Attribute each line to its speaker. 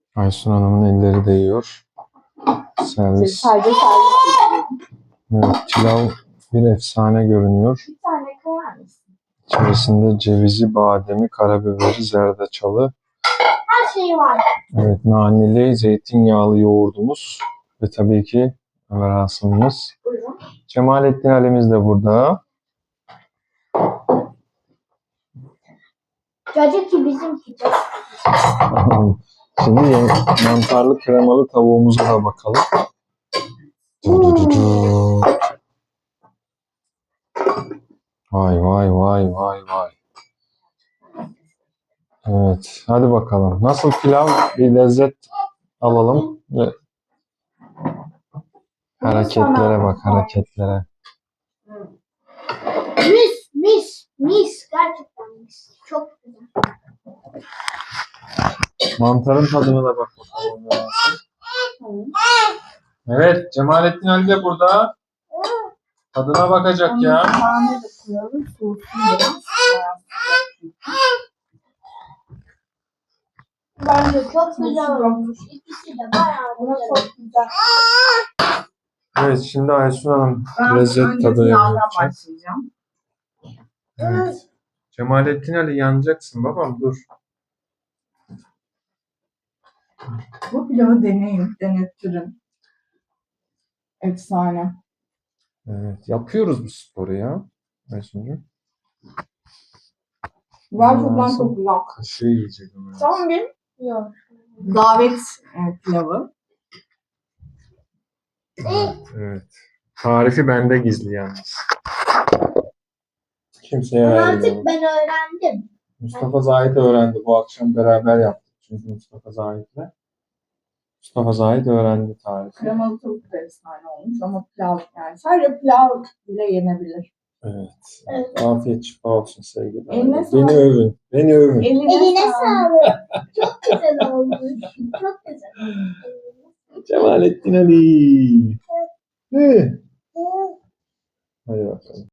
Speaker 1: Aysun Hanım'ın elleri değiyor. Servis.
Speaker 2: Sadece servis bekliyorum.
Speaker 1: Evet, pilav bir efsane görünüyor.
Speaker 2: Bir tane koyar mısın?
Speaker 1: İçerisinde cevizi, bademi, karabiberi, zerdeçalı.
Speaker 2: Her şeyi var.
Speaker 1: Evet, naneli, zeytinyağlı yoğurdumuz. Ve tabii ki Ömer Asım'ımız.
Speaker 2: Buyurun.
Speaker 1: Cemalettin Ali'miz de burada.
Speaker 2: Cacık bizimki.
Speaker 1: Şimdi mantarlı kremalı tavuğumuza da bakalım. Vay vay vay vay vay. Evet, hadi bakalım. Nasıl pilav? Bir lezzet alalım. Ve hareketlere bak, hareketlere.
Speaker 2: Mis. Gerçekten mis. Çok güzel.
Speaker 1: Mantarın tadına da bak bakalım. Evet, Cemalettin Ali de burada. Tadına bakacak ya.
Speaker 2: Tane de koyalım. Soğusun biraz. Bence çok güzel olmuş. İkisi de bayağı çok güzel.
Speaker 1: Evet, şimdi Aysun Hanım lezzet
Speaker 2: önce
Speaker 1: tadını
Speaker 2: pilavdan
Speaker 1: yapacak.
Speaker 2: başlayacağım.
Speaker 1: Evet. Cemalettin Ali yanacaksın babam, dur.
Speaker 2: Bu pilavı denetirim. Efsane.
Speaker 1: Evet, yapıyoruz bu sporu ya. Aysun'cum.
Speaker 2: Gerçekten çok güzel.
Speaker 1: Kaşığı yiyecek ama.
Speaker 2: Tamam bir davet pilavı.
Speaker 1: Evet. Tarifi bende gizli yalnız. Kimseye
Speaker 2: Ama
Speaker 1: vermiyorum.
Speaker 2: artık ben öğrendim.
Speaker 1: Mustafa Zahit öğrendi. Bu akşam beraber yaptık. Çünkü Mustafa Zahit öğrendi tarifi.
Speaker 2: Kremalı tavuk da efsane olmuş ama pilav yani sadece pilav bile yenebilir.
Speaker 1: Evet. Afiyet şifa olsun sevgili.
Speaker 2: Eline
Speaker 1: Beni
Speaker 2: sağlık.
Speaker 1: övün. Beni övün.
Speaker 2: Eline sağlık. Çok güzel olmuş. Çok güzel.
Speaker 1: Cemalettin Ali. Hadi bakalım.